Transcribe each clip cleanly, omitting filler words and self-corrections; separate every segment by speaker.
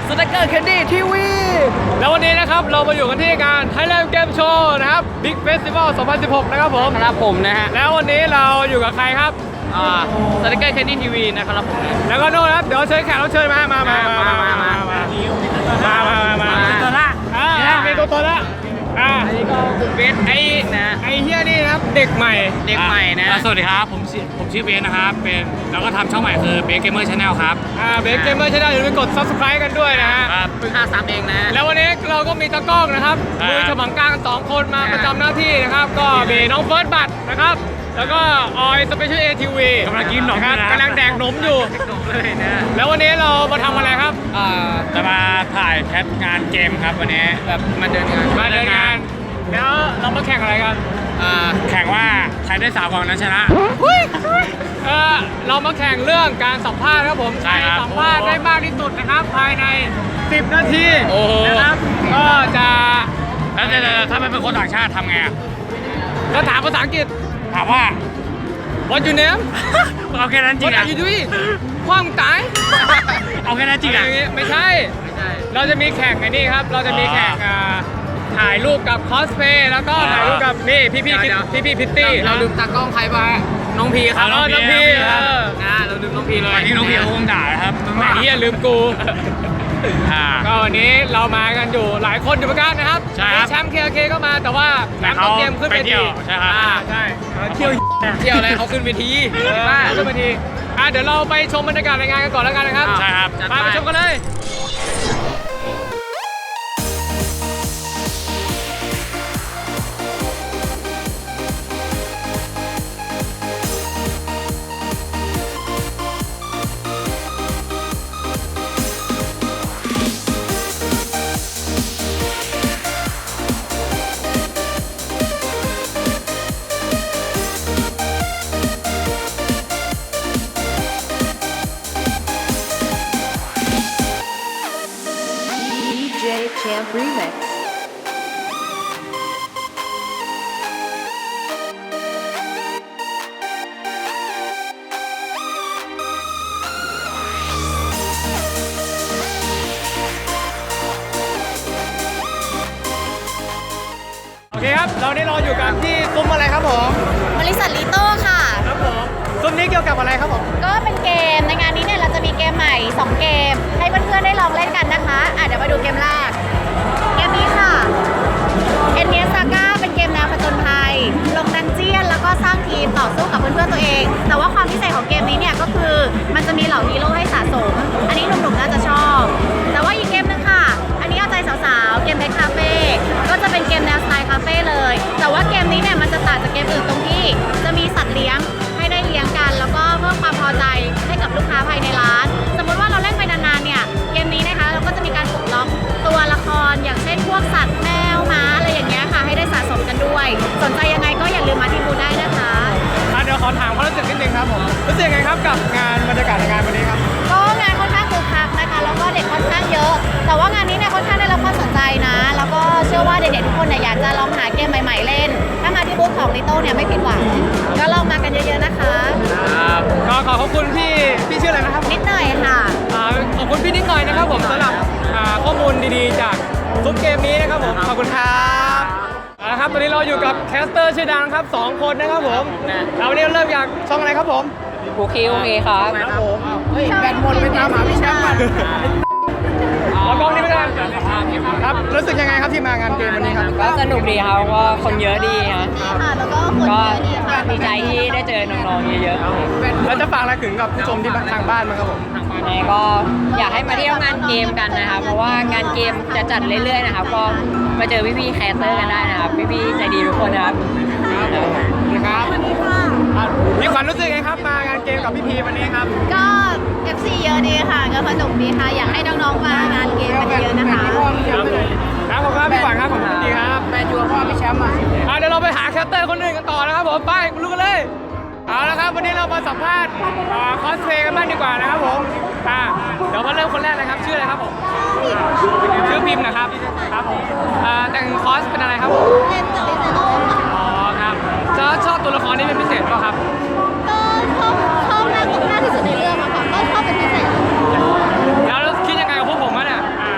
Speaker 1: สแต็กเกอร์แคนดี้ทีวีแล้ววันนี้นะครับเรามาอยู่กันที่งาน Thailand Game Show นะครับ Big Festival 2016 นะครับผม
Speaker 2: ครับผมนะฮะ
Speaker 1: แล้ววันนี้เราอยู่กับใครครับ
Speaker 2: สแต็กเกอร์แคนดี้ทีวีนะครับผม
Speaker 1: แล้วก็โน่นครับเดี๋ยวเชิญแขกรับเชิญมา
Speaker 2: ตัวละ
Speaker 1: มีตัวละ
Speaker 2: อันนี้ก็คุณเบสไอ้
Speaker 1: เฮียนี่นะครับเด็กใหม่
Speaker 2: นะ
Speaker 3: สวัสดีครับผมชื่อเบสนะครับเป็นแล้วก็ทำช่องใหม่คือเบสเกมเมอร์ชาแนลครับ
Speaker 1: เบสเกมเมอร์ชาแนลอย่าลืมกด Subscribe กันด้วยนะฮะ
Speaker 2: เพิ่ง53เองนะ
Speaker 1: แล้ววันนี้เราก็มีตากล้องนะครับมือฉมังกลาง2คนมาประจำหน้าที่นะครับก็มีน้องเฟิร์สบัตนะครับแล้วก็ออยสเปเชียลเอทีวี
Speaker 3: กำลังกินหนม
Speaker 1: กำลังแดกหนมอยู่
Speaker 2: เลยนะ
Speaker 1: แล้ววันนี้เรามาทำอะไรครับ
Speaker 3: จะมาถ่ายแคสงานเกมครับวันนี้
Speaker 2: แบบมาเดินงาน
Speaker 1: แล้วเรามาแข่งอะไรกัน
Speaker 3: แข่งว่าใครได้3 กล่องนั้นชนะ
Speaker 1: เรามาแข่งเรื่องการสัมภาษณ์ครับผม
Speaker 3: ใช่ครับ
Speaker 1: สัมภาษณ์ได้มากที่สุดนะครับภายใน10 นาที
Speaker 3: นะครับ
Speaker 1: ก็จะ
Speaker 3: แล้วถ้าไม่เป็นคนต่างชาติทำไง
Speaker 1: ก็ถามภาษาอังกฤษ
Speaker 3: ถามว่า
Speaker 1: What's your name
Speaker 3: เอาแค่นั้นจริงอ่ะ
Speaker 1: อยู่ด้วยความตาย
Speaker 3: เอาแค่นั้นจริงอ่ะ
Speaker 1: ไม่ใช่เราจะมีแข่งไอ้นี่ครับเราจะมีแข่งถ่ายรูปกับคอสเพย์แล้วก็ถ่ายรูปกับนี่พี่พิตตี้
Speaker 2: เราลืมตากล้องใครไปน้องพีครับ
Speaker 1: น้องพี
Speaker 2: เราลืมน้องพีเลย
Speaker 3: วันนี้น้องพีเขาคงด่านะครับ
Speaker 1: ไม่เหี้ยลืมกูก็วันนี้เรามากันอยู่หลายคนอยู่เหมือนกันนะครับแชมป์เคก็มาแต่ว่าแชมป์ต้องเกมขึ้นเวที
Speaker 3: ใช่ครับ
Speaker 1: ใช่เที่ยว
Speaker 2: อะไรเขาขึ้นเวที
Speaker 1: ขึ้นเวทีเดี๋ยวเราไปชมบรรยากาศในงานกันก่อนแล้วกันนะครับ
Speaker 3: ใช่ครับ
Speaker 1: ไปชมกันเลย
Speaker 4: Champ Remix
Speaker 1: โอเคครับเราได้รออยู่กันที่ซุ้มอะไรครับผม
Speaker 4: บริษัทลิโต้ค่ะ
Speaker 1: ครับผมซุ้มนี้เกี่ยวกับอะไรครับผม
Speaker 4: ก็เป็นเกมในงานนี้เนี่ยเราจะมีเกมใหม่2เกมให้เพื่อนๆได้ลองเล่นกันนะคะเดี๋ยวมาดูเกมแรกเกมนี้ค่ะเอ็นเนียซาก้าเป็นเกมแนวผจญภัยลงดันเจียนแล้วก็สร้างทีมต่อสู้กับเพื่อนๆตัวเองแต่ว่าความพิเศษของเกมนี้เนี่ยก็คือมันจะมีเหล่าฮีโร่ให้สะสมอันนี้หนุ่มๆน่าจะชอบแต่ว่าอีกเกมนึงค่ะอันนี้เอาใจสาวๆเกมเด็กคาเฟ่ก็จะเป็นเกมแนวสไตล์คาเฟ่เลยแต่ว่าเกมนี้เนี่ยมันจะต่างจากเกมอื่นตรงที่จะมีสัตว์เลี้ยงให้ได้เลี้ยงกันแล้วก็เพิ่มความพอใจให้กับลูกค้าภายในร้านสมมติว่าเราเล่นไปนานๆเนี่ยเกมนี้นะคะเราก็จะมีการปลดล็อกตัวละครอย่างเช่นพวกสัตว์แมวม้าอะไรอย่างเงี้ยค่ะให้ได้สะสมกันด้วยสนใจยังไงก็อย่าลืมมาที่บูธได้นะคะ
Speaker 1: เดี๋ยวขอถามความรู้สึกนิดนึงครับผมรู้สึกยังไงครับกับงานบรรยากาศในงานวันนี้ครับ
Speaker 4: ก็งานค่อนข้างคึกคักนะคะแล้วก็เด็กค่อนข้างเยอะแต่ว่างานนี้เนี่ยค่อนข้างได้รับความสนใจนะแล้วก็เชื่อว่าเด็กๆทุกคนเนี่ยอยากจะลองหาเกมใหม่ๆเล่นถ้ามาที่บูธของลิโต้เนี่ยไม่ผิดหวังก็ลองมากันเยอะๆนะคะ
Speaker 1: ก็ขอบคุณพี่ชื่ออะไรนะครับ
Speaker 4: นิดหน่อยค่ะ
Speaker 1: ขอบคุณพี่นิดหน่อยนะครับผมสำหรับข้อมูลดีๆจากซุ้มเกมนี้นะครับผมขอบคุณครับครับตอนนี้เราอยู่กับแคสเตอร์ชื่อดังครับ2 คนนะครับผมแล้ววันนี้เริ่มจากช่องอะไรครับผม
Speaker 2: โอเคครับ
Speaker 1: ผมแบตหมดไปตามหาพี่แชมป์กันเอากล้องนี้ไปกันครับรู้สึกยังไงครับที่มางานเกมวันนี้ครับ
Speaker 2: ก็สนุกดีครับว่าคนเยอะดี
Speaker 4: ค่ะแล้วก็คนเยอะดีค่ะ
Speaker 2: ดีใจที่ได้เจอน้องๆเยอะ
Speaker 1: ๆแล้วจะฝากอะไรถึงกับผู้ชมที่ทางบ้านมั้งครับผม
Speaker 2: ก็อยากให้มาเที่ยวงานเกมกันนะครับเพราะว่างานเกมจะจัดเรื่อยๆนะครับก็มาเจอพี่ๆแคสเตอร์กันได้นะครับพี่ๆใจดีทุกคนนะครับ
Speaker 1: ครับมีความรู้สึกไงครับมางานเกมกับพี่พีวันนี้ครับ
Speaker 4: ก็ FC เยอะดีค่ะก็สนุกดีค่ะอยากให้น้องๆมางานเกมกันเยอะนะคะ
Speaker 1: ครับผมครับพี่ขวัญครับผมดีครับ
Speaker 2: แมนยูพ่อพี่แชมป์
Speaker 1: เดี๋ยวเราไปหาแคสเตอร์คนอื่นกันต่อนะครับผมไปรู้กันเลยเอาละครับวันนี้เรามาสัมภาษณ์คอสเพลย์กันบ้างดีกว่านะครับผมเดี๋ยวมาเริ่มคนแรกเลยครับชื่ออะไรครับผมชื่อพิมพ์นะครับครับผมแต่งคอสเป็นอะไรครับผม
Speaker 4: เป็นจักรยาน
Speaker 1: อ๋อครับชอบตัวละครนี้เป็นพิเศษป่ะครับ
Speaker 4: ก็ชอบมากที่สุดในเรื่องอะค่ะก็ชอบเป็นพิเศษ
Speaker 1: แล้วคิดยังไงกับพวกผมอ่ะเนี่ย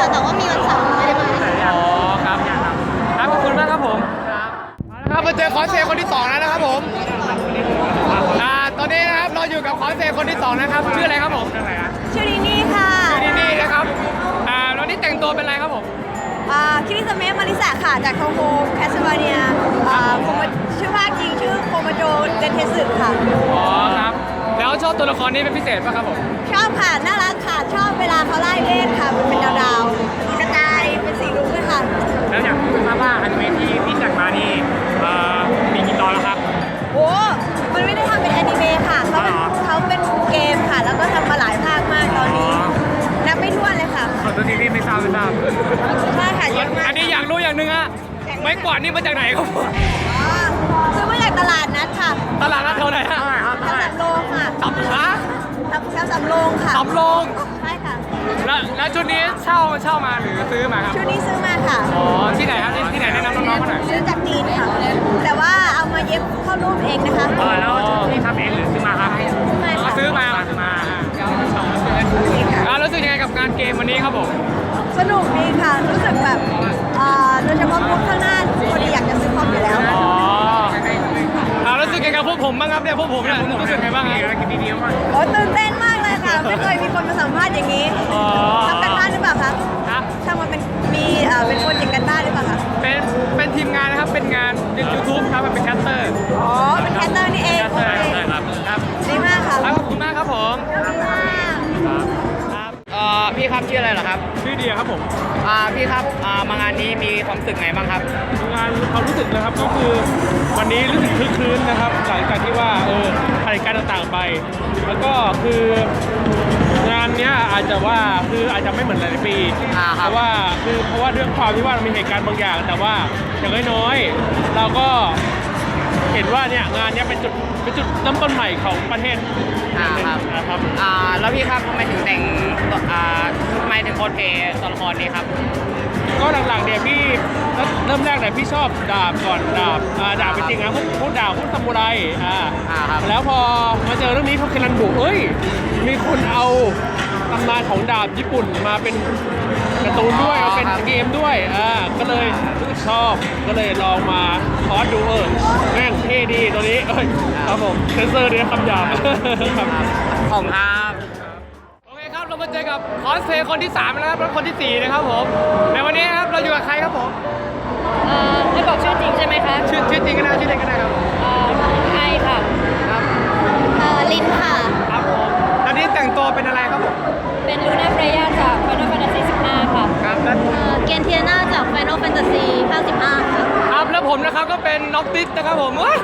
Speaker 4: แต่ว่ามีวันเสาร์ไม่ได้มา
Speaker 1: อ๋อครับครับขอบคุณมากครับผมเอาละครับมาเจอคอสเพลย์คนที่สองแล้วนะครับผมตอนนี้นะครับเราอยู่กับคอสเพลย์คนที่สองนะครับชื่ออะไรครับผม
Speaker 4: ชื่อดีนี่ค่ะ
Speaker 1: ชื่อนี่นะครับแล้วนี่แต่งตัวเป็นอะไรครับผม
Speaker 4: คิริสเมะมาริสะค่ะ จากโทโฮแคสเวเนียชื่อภาคจริงชื่อโคโมโจเดนเทสึค่ะ
Speaker 1: อ๋อครับแล้วชอบตัวละครนี้เป็นพิเศษป่ะครับผม
Speaker 4: ชอบค่ะ น่ารักค่ะ ชอบเวลาเขาไล่เล่นค่ะ มันเป็นดาวๆมีกระจายเป็นสีรุ้งเลยค่ะ
Speaker 3: แล้วอยากทราบว่าอนิเมะที่พี่จัดมานี่มีกี่ตอนแล้วครับ
Speaker 4: โอ้ มันไม่ได้ทำเป็นแอนิเมะค่ะ เขาเป็นเกมค่ะ แล้วก็ทำมาหลายภาคมากตอนนี้ นับไม่ถ้วนเลยค่ะ
Speaker 3: ขอตัวทีพี่ไม่ทราบ
Speaker 4: ใช่ค่ะเยอะมาก
Speaker 1: อันนี้อยากรู้อย่างหนึ่งฮะไม้กวาดนี่มาจากไหนครับผม
Speaker 4: อ๋อซื้อมาจากตลาดนัดค่ะ
Speaker 1: ตลาดนัดเท่าไหร่ฮะ
Speaker 4: แถวสำโรงค่ะ
Speaker 1: สับขา
Speaker 4: แถวสำโรงค่ะ
Speaker 1: สำโรง
Speaker 4: ใช่ค่ะ
Speaker 1: แล้วชุดนี้เช่ามาหรือซื้อมาครับ
Speaker 4: ชุดนี้ซื้อมาค่ะ
Speaker 1: อ๋อที่ไหนครับที่ไหนแนะนำน้องๆมาหน่อย
Speaker 4: ซื้อจากจีนค่ะ แต่ว่าเอามาเย็บเข้ารูปเองนะคะ
Speaker 3: แล้วพี่ทำเองหรือซื้อมาครับ
Speaker 4: ซื้อมา
Speaker 1: ซื้อ
Speaker 4: ค่ะ
Speaker 1: มารู้สึกยังไงกับงานเกมวันนี้ครับผม
Speaker 4: สนุกดีค่ะ รู้สึกแบบโดยเฉพาะพวกข้างหน้าพอดีอยากจะซื้อคอมอยู่แล้ว
Speaker 1: อ๋อรู้สึกยังไงกับพวกผมบ้างครับเนี่ยพวกผมเนี่ยรู้สึกยังไงบ้างครับ
Speaker 4: โอ้ตื่นเต้นมากเลยค่ะ ไม่เคยมีคนมาสัมภาษณ์อย่างนี้
Speaker 1: อ๋อ
Speaker 4: ทำกันบ้านหรือเปล่าคะ
Speaker 1: ครับ
Speaker 4: ทำมาเป็นเป็นคนอย่างกันบ้านหรือเปล่าคะ
Speaker 1: เป็นทีมงานนะครับเป็นงานยูทูบครับเป็นแคสเตอร์
Speaker 4: อ๋อ เป็นแคสเตอร์นี่เองโอเค
Speaker 1: ครับ
Speaker 4: ดีมากค่ะ
Speaker 1: ขอบคุณมากครับผม
Speaker 4: ขอบคุณมาก
Speaker 2: พี่ครับชื่ออะไรเหรอครับ
Speaker 1: ชื่อเดียครับผม
Speaker 2: พี่ครับมางานนี้มีความรู้สึกไงบ้างครับ
Speaker 5: งานความรู้สึกนะครับก็คือวันนี้รู้สึกคลึกคลื้นนะครับหลังจากที่ว่าผ่านการต่างๆไป แล้วก็คืองานเนี้ยอาจจะว่าคืออาจจะไม่เหมือนหลายๆปี
Speaker 2: ครั
Speaker 5: เพ
Speaker 2: บ
Speaker 5: ราะว่าเรื่องความที่ว่ามีเหตุการณ์บางอย่าง แต่ว่าอย่างน้อยๆเราก็เห็นว่าเนี่ยงานเนี้ยเป็นจุดเริ่มต้นใหม่ของประเทศ
Speaker 2: ครับ
Speaker 5: นะครับ
Speaker 2: แล้วพี่ครับทำไมถึงแต่งทำไมถึงโคสเพลย์ตัวละครนี้ครับ
Speaker 5: ก็หลังๆเนี่ยพี่เริ่มแรกเนี่ยพี่ชอบดาบก่อนดาบเป็นจริงนะพวกดาบพวกซามูไร
Speaker 2: ครับ
Speaker 5: แล้วพอมาเจอเรื่องนี้พวกเคลันบุมีคนเอาตำนานของดาบญี่ปุ่นมาเป็นการ์ตูนด้วยมาเป็นเกมด้วยก็เลยรู้สึกชอบก็เลยลองมาคอร์สดูแม่งเท่ดีตัวนี้ครับผมเซนเซอร์เนี่ยคำหยาบครับ
Speaker 2: ผมครับ
Speaker 1: โอเคครับเรามาเจอกับคอสเพลย์คนที่3แล้วครับและคนที่4นะครับผมในวันนี้ครับเราอยู่กับใครครับผม
Speaker 2: ไม่บอกชื่อจริงใช่ไหมคะ
Speaker 1: ชื่อจริงก็ได้ชื่อเล่นก็ได้ครับ
Speaker 2: ไอค่ะ
Speaker 1: ครับ
Speaker 4: ลินค่ะ
Speaker 1: ครับผมตอนนี้แต่งตัวเป็นอะไรครับผม
Speaker 2: เป็นลูน่าเฟรย่าจาก Final Fantasy 15 ค่ะ
Speaker 1: ครับแล้ว
Speaker 4: เกียนเทียนาจาก Final Fantasy ภาค15ค่ะ
Speaker 1: ครับแล้วผมนะครับก็เป็นน็อกติสนะครับผมเฮ้ย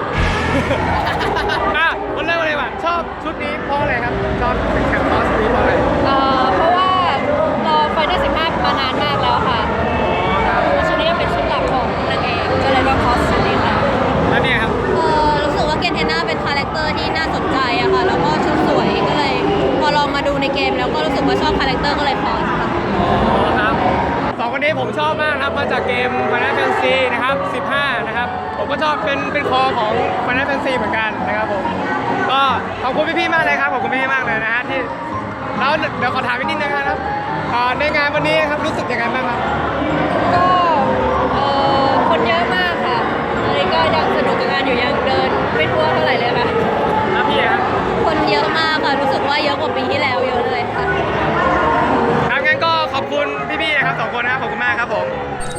Speaker 1: วันเริ่มเลยว่ะชอบชุดนี้เพราะอะไรครับชอบเป็นแคมปัสนี้เพราะอะไร
Speaker 2: เพราะว่าเรา Final 15 มานานมากแล้วค่ะแล้วชุดนี้ก็เป็นชุดหลักของนางเอกก็เลยว่าคอสชุดนี้ค่ะ
Speaker 1: แล้วเนี่ยครับ
Speaker 4: รู้สึกว่าเกียนเทียนาเป็นคาแรคเตอร์ที่น่าสนใจอะค่ะ แล้วก็ชุดสวยก็เลย พอลองมาดูในเกมแล้วก็รู้สึกว่าชอบคาแรคเตอร์ก็เลยคอสค่ะ
Speaker 1: ครับสองคนนี้ผมชอบมากนะครับมาจากเกม Final Fantasy นะครับ15นะครับผมก็ชอบเป็นคอของ Final Fantasy เหมือนกันนะครับผมก็ขอบคุณพี่ๆมากเลยครับขอบคุณพี่ๆมากเลยนะฮะที่แล้วเดี๋ยวขอถามนิดนึงนะครับในงานวันนี้ครับรู้สึกยังไงบ้างครับ
Speaker 2: ก็คนเยอะมากค่ะตอนนี้ก็ยังสนุกกับงานอยู่ยังเดินไม่ทั่วเท่าไหร่เลยค่ะ
Speaker 1: แล้วพี่ครับ
Speaker 4: คนเยอะมากค่ะ รู้สึกว่าเยอะกว่าปีที่แล้วเยอะเลยค่ะ
Speaker 1: ครับงั้นก็ขอบคุณพี่ๆนะครับสองคนนะครับขอบคุณมากครับผม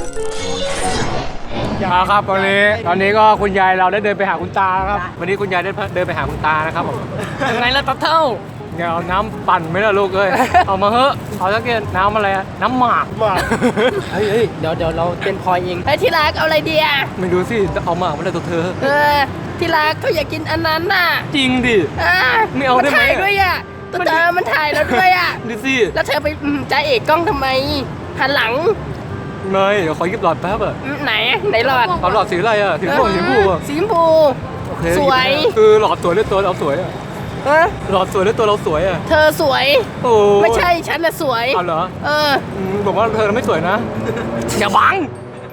Speaker 1: ครับตอนนี้ก็คุณยายเราได้เดินไปหาคุณตาครับวันนี้คุณยายได้เดินไปหาคุณตานะครับผมยังไงล่ะตับเท่าเดี๋ยวเอาน้ำปั่นไหมล่ะลูกเอ้ย เอามาเถอะเอาสักเกียน้ำอะไรอะน้ำหมาก
Speaker 6: เฮ้ยเดี๋ยวเราเป็นพลอยเอง
Speaker 7: ไอ้ที่รักเอาอะไรดีอ่ะ
Speaker 1: ไม่ดูสิเอาหมากมาเลยตัวเธอ
Speaker 7: ที่รักเขาอยากกินอันนั้นน่ะ
Speaker 1: จริงดิ ไม่เอาได้ไหม
Speaker 7: ถ่ายด้วยอ่ะตัวเธอมันถ่ายแล้วด้วยอ่ะ
Speaker 1: ดูสิ
Speaker 7: แล้วเธอไปจ่าเอกกล้องทำไม หันหลัง
Speaker 1: ไม่เดี๋ยวขอหยิบหลอดแป๊บอะ
Speaker 7: ไหนหลอด
Speaker 1: เอาหลอดสีอะไรอะสีม่วงสีชมพูอะ
Speaker 7: สีชมพู
Speaker 1: โอเค
Speaker 7: สวย
Speaker 1: คือหลอดสวยหรือตัวเราสวยอะ
Speaker 7: เออ
Speaker 1: หลอดสวยหรือตัวเราสวยอะ
Speaker 7: เธอสวย
Speaker 1: โอ้
Speaker 7: ไม่ใช่ฉันน่ะสวย
Speaker 1: เอาเหรอ
Speaker 7: เออ
Speaker 1: บอกว่าเธอไม่สวยนะ อย่าบัง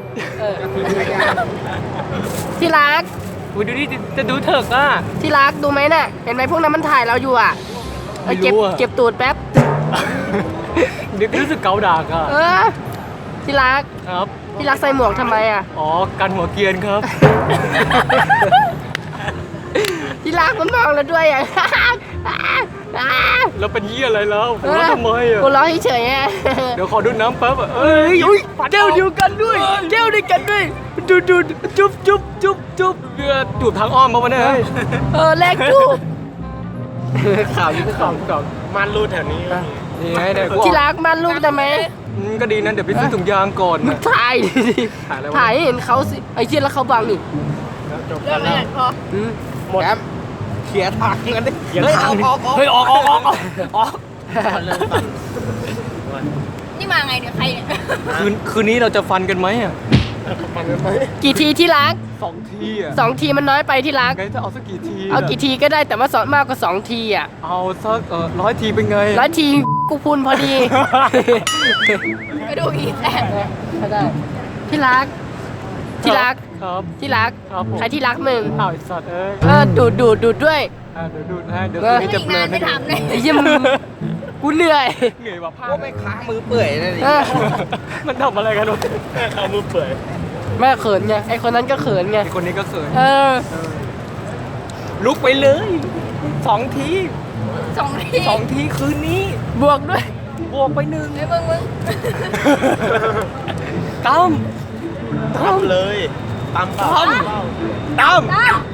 Speaker 7: ที่รัก
Speaker 1: อุ๊ยดูดิจะดูเถิกอ่ะ
Speaker 7: ที่รักดูไหมน่ะ เห็นไหมพวกนั้นมันถ่ายเราอยู่อ่ะ
Speaker 1: ไม่รู้อะ
Speaker 7: เก็บตูดแป๊บ
Speaker 1: เดี๋ยวรู้สึกเกาดากอ่ะ
Speaker 7: เออที่รัก
Speaker 1: ครับ
Speaker 7: ที่รักใส่หมวกทำไมอ่ะ
Speaker 1: อ๋อ กันหัวเกรียนครับ
Speaker 7: ที่รักมันมองเราด้วยอ่ะ
Speaker 1: แล้วเป็นเยี่ยอะไรแล้วผมว่าทำไมอ่ะ
Speaker 7: กูร้องเฉยๆอ่ะ
Speaker 1: เดี๋ยวขอดูน้ำแป๊บอ่ะเอ้ยอุ้ยแก้วเดียวกันด้วยแก้วเดียวกันด้วยดูจุ๊บจุ๊บจุ๊บจูบทางอ้อมมาวันนี้
Speaker 7: แลกจูบ
Speaker 1: ข่าวนี้ก็ข่าวมันรูดแถวนี้นี่ไงเนี่ย
Speaker 7: ที่รักมันลูกทำไม
Speaker 1: ก็ดีนะเดี๋ยวไปซื้อถุงยางก่อน
Speaker 7: มึงถ่ายดิ
Speaker 1: ถ่ายอะไรวะ
Speaker 7: ถ่ายให้เห็นเขาสิไอ้เชี่ยแล้วเขาบังนี่
Speaker 1: หมดเขียทางกันดิ
Speaker 3: เฮ้ยออก
Speaker 1: เฮ้ยออก
Speaker 4: นี่มาไงเนี่ยใครเนี่ย
Speaker 1: คืนนี้เราจะฟันกันไหมอ่ะ
Speaker 7: กี่ทีที่รัก
Speaker 1: 2 ทีอ่ะ
Speaker 7: 2 ทีมันน้อยไปที่รัก
Speaker 1: ไงจะเอาสักกี่ที
Speaker 7: เอากี่ทีก็ได้แต่ว่าสอนมากกว่า2 ทีอ่ะ
Speaker 1: เอาสัก100 ทีเป็นไง
Speaker 7: 100 ทีกูพูนพอดี
Speaker 4: ไปดูอีกแต่
Speaker 7: ได้ที่รัก ที่รัก
Speaker 1: ครับ
Speaker 7: ที่รัก
Speaker 1: ครับผม
Speaker 7: ใครที่รักมึง
Speaker 1: อ้าวไอ้สัตว์เอ้ย
Speaker 7: ดูดด้วย
Speaker 1: เดี๋ยวดูให้เดี๋ยวคืนนี้จะเพลิน
Speaker 4: ไม่ทำเลย
Speaker 7: ไอ้เหี้ยมึงกูเหนื่อย
Speaker 1: เหนื่อยว่ะผ้า
Speaker 6: ก็ไม่ค้างมือเปื่อยนั่นเอง
Speaker 7: เออ
Speaker 1: มันทำอะไรกันวะเอามือเปื่อย
Speaker 7: แม่เขินไงไอคนนั้นก็เขินไง
Speaker 1: ไอ้คนนี้ก็เขิน
Speaker 7: เออ
Speaker 1: ลุกไปเลย2 ที
Speaker 4: 2 ที
Speaker 1: 2 ทีคืนนี้
Speaker 7: บวกด้วย
Speaker 1: บวกไป1
Speaker 4: เฮ้ยมึง
Speaker 1: ตั้ม
Speaker 6: เลยตามเปล่า
Speaker 1: ตั้ม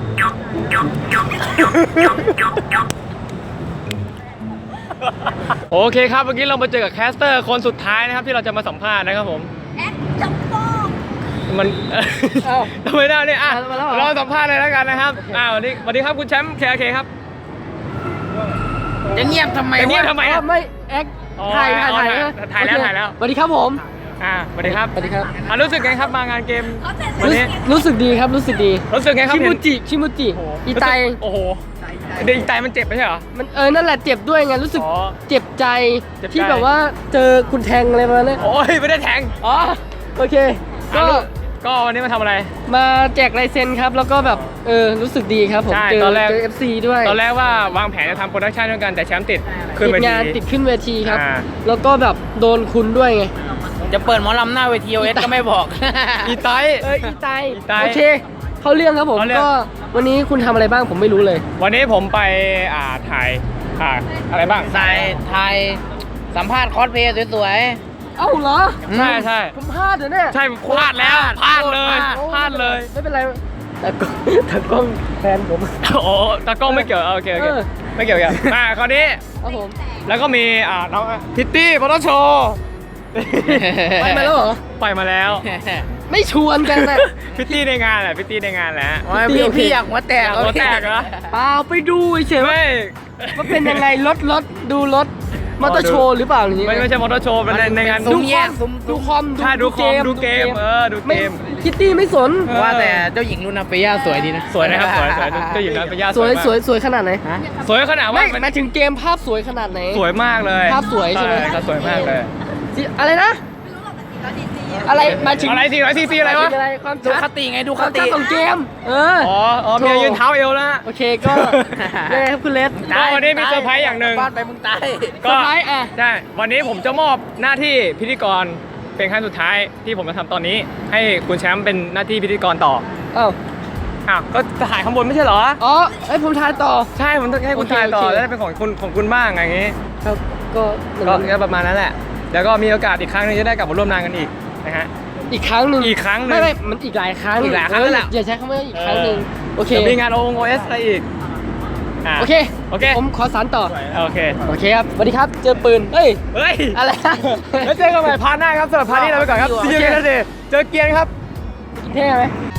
Speaker 1: โอเคครับเมื่อกี้เรามาเจอกับแคสเตอร์คนสุดท้ายนะครับที่เราจะมาสัมภาษณ์นะครับผม
Speaker 4: แอดจับโป้ง
Speaker 1: มัน
Speaker 7: เอ้า
Speaker 1: ทำไมได้เนี่ยอ่ะ
Speaker 7: มาแล้วเหรอ
Speaker 1: เราสัมภาษณ์เลยแล้วกันนะครับสวัสดีครับคุณแชมป์เคครับ
Speaker 7: จะเงียบทำไม
Speaker 1: จะเงียบทำไมอะ
Speaker 7: ไม่แอค
Speaker 1: อ๋อ
Speaker 7: ถ่าย
Speaker 1: ถ่ายแล้ว
Speaker 7: โอเค
Speaker 1: ถ่ายแล้ว
Speaker 7: สวัสดีครับผม
Speaker 1: สวัสดีครับ
Speaker 7: สวัสดีครับ
Speaker 1: รู้สึกไงครับมางานเกมวันนี้
Speaker 7: รู้สึกดีครับรู้สึกดี
Speaker 1: รู้สึกไงครับ
Speaker 7: ชิมูจิอีไต
Speaker 1: โอ้โหเดี๋ยวอีไตมันเจ็บไม่ใช่เหรอ
Speaker 7: มันนั่นแหละเจ็บด้วยไงรู้สึก
Speaker 1: อ๋อ
Speaker 7: เจ็บใจ
Speaker 1: เจ็บใจ
Speaker 7: ที่แบบว่าเจอคุณแทงอะไรมาเนี่ย
Speaker 1: โอ้ยไม่ได้แทง
Speaker 7: อ๋อโอเค ก็
Speaker 1: ก็วันนี้มาทำอะไร
Speaker 7: มาแจกลายเซ็นครับ แล้วก็แบบรู้สึกดีครับผม
Speaker 1: ใช่
Speaker 7: เจอ
Speaker 1: ตอนแรก
Speaker 7: เจอ FC ด้วย
Speaker 1: ตอนแรกว่าวางแผนจะทำโปรดักชันด้วยกันแต่แชมป์ติดขึ้น
Speaker 7: ติ
Speaker 1: เว
Speaker 7: ด
Speaker 1: ที
Speaker 7: งานติดขึ้นเวทีครับ
Speaker 1: อ่า
Speaker 7: แล้วก็แบบโดนคุณด้วยไง
Speaker 2: จะเปิดหมอลำหน้าเวที OS ก็ไม่บอก
Speaker 1: อีไต
Speaker 7: อีไต
Speaker 1: อีไต
Speaker 7: โอเค เข้าเรื่องครับผม
Speaker 1: เข้าเรื่อง
Speaker 7: ก็วันนี้คุณทำอะไรบ้างผมไม่รู้เลย
Speaker 1: วันนี้ผมไปถ่ายอะไรบ้าง
Speaker 2: สายไทยสัมภาษณ์คอสเพลย์สวย
Speaker 7: เอ้าเหรอ
Speaker 1: ใช่ใช่
Speaker 7: ผมพลาดเหรอเนี่ย
Speaker 1: ใช่พลาดแล้วพลาดเลย
Speaker 7: โอ้
Speaker 1: พลาดเลย
Speaker 7: ไม่เป็นไรแต่กล้องแฟนผม
Speaker 1: โอ้ตากล้องไม่เกี่ยวโอเค
Speaker 7: เออ
Speaker 1: ไม่เกี่ยวกันคราวนี้
Speaker 7: ครับผม
Speaker 1: แล้วก็มีน้องพิตตี้ปตโช
Speaker 7: ไปมาแล้วเหรอ
Speaker 1: ไปมาแล้ว
Speaker 7: ไม่ชวนกันนะ
Speaker 1: พิตตี้ในงานแหละพิตตี้ในงานแหละ
Speaker 2: พี่อยากหัวแตก
Speaker 1: หัวแตกเหรอ
Speaker 7: เปล่าไปดูเฉยๆว่า
Speaker 1: ไม่
Speaker 7: ว่าเป็นยังไงรถดูรถมอเตอร์โชว์หรือเปล่าอย่างงี้
Speaker 1: ไม่ใช่มอเตอร์โชว์เป็นในงาน
Speaker 7: ดูคอมดูคอม
Speaker 1: ใช่ดูคอมดูเกมดูเก
Speaker 7: ไม่
Speaker 1: ม
Speaker 7: คิตตี้ไม่สน
Speaker 2: ว่าแต่เจ้าหญิงลูนาเฟียสวยดีนะ
Speaker 1: สวยนะครับสวยเจ้าหญิงนันเป็นญาติ
Speaker 7: สวย
Speaker 1: มาก
Speaker 7: สวยขนาดไหน
Speaker 1: สวยขนาด
Speaker 7: ไม่
Speaker 1: ว่า
Speaker 7: หมายถึงเกมภาพสวยขนาดไหน
Speaker 1: สวยมากเลย
Speaker 7: ภาพสวยใช่ไหม
Speaker 1: ก็สวยมากเลย
Speaker 7: อะไรนะ อะไรหมายถึง
Speaker 1: อะไร400 cc อะไรวะ
Speaker 7: อะไรความ
Speaker 2: ดู
Speaker 7: ชัด
Speaker 2: คติไงดู
Speaker 7: ค
Speaker 2: คว
Speaker 7: าม
Speaker 2: ติ
Speaker 7: ชัดของเกม
Speaker 1: อ๋อเมียยืนเท้าเอวแล้ว
Speaker 7: โอเคก็ยังไงครับคุณเลส
Speaker 1: ก็วันนี้มีเซอร์ไพรส์อย่างหนึ่ง
Speaker 2: บ้านไปมึงตาย
Speaker 7: เซอร์ไพรส์อ่ะ
Speaker 1: ใช่วันนี้ผมจะมอบหน้าที่พิธีกรเป็นครั้งสุดท้ายที่ผมจะทำตอนนี้ ให้คุณแชมป์เป็นหน้าที่พิธีกรต่อ
Speaker 7: อ้าว
Speaker 1: ก็ถ่ายข้างบนไม่ใช่เหรอ
Speaker 7: อ๋อเอ้ยผมทายต่อ
Speaker 1: ใช่ผมต้องให้คุณถ่ายต่อ
Speaker 7: โอเค
Speaker 1: แล้วได้เป็นของคุณบ้างอย่างงี้
Speaker 7: ครับก็
Speaker 1: ก็ประมาณนั้นแหละ แล้วก็มีโอกาสอีกครั้งหนึงจะได้กลับมาร่วมงานกันอีกนะฮะ
Speaker 7: อีกครั้งหนึ่ง
Speaker 1: อีกครั้งหนึ่ง
Speaker 7: ไม่มันอีกหลายครั้ง
Speaker 1: อีกหลายครั้งนั่นแหละ
Speaker 7: อย่าใช้คำว่าอีกครั้งหนึ่งโอเค
Speaker 1: เดี๋ยวมีงาน OS อะไรอีกะ
Speaker 7: โอเค
Speaker 1: โอเค
Speaker 7: ผมขอสารต่อ
Speaker 1: โอเค
Speaker 7: โอเคครับสวัสดีครับ เจอปืน เฮ้ย
Speaker 1: เฮ้ย
Speaker 7: อะไร
Speaker 1: แล้วเจอกันใหม่พาร์ทหน้าครับสำหรับพาร์ทนี้เราไปก่อนครับ
Speaker 7: โอเค
Speaker 1: See you later เจอเกียร์ครับ
Speaker 7: กินเท่ไหม